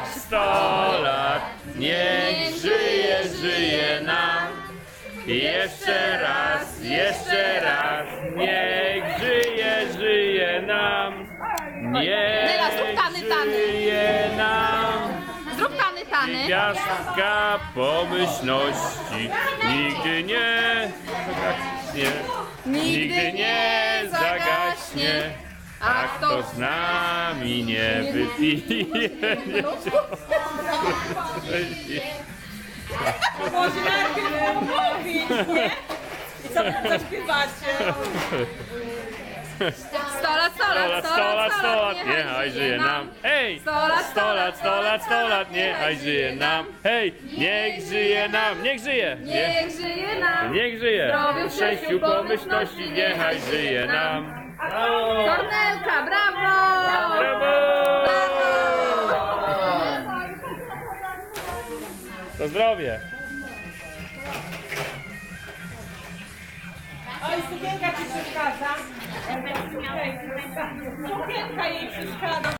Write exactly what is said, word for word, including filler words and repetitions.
sto lat, niech żyje, żyje nam. Jeszcze raz, jeszcze raz, niech żyje, żyje nam. Nela, zrób Niech tany, tany. żyje nam. Zrób tany, tany. Gwiazdka pomyślności nigdy nie zagaśnie. Nigdy nie zagaśnie. A kto z nami nie wypije, Może najpierw umówić, nie? I co wy zaśpiewacie? Sto lat, sto lat, sto lat, sto lat, niechaj żyje nam. Hej! Sto lat, sto lat, sto lat, sto lat, niechaj żyje nam. Hej! Niech żyje nam, niech żyje! Niech żyje nam. Niech żyje! Zdrowiu, W szczęściu, pomyślności, niechaj żyje nam. Kornelka, brawo! Brawo! To zdrowie! Oj, sukienka ci przeszkadza. Sukienka jej przeszkadza.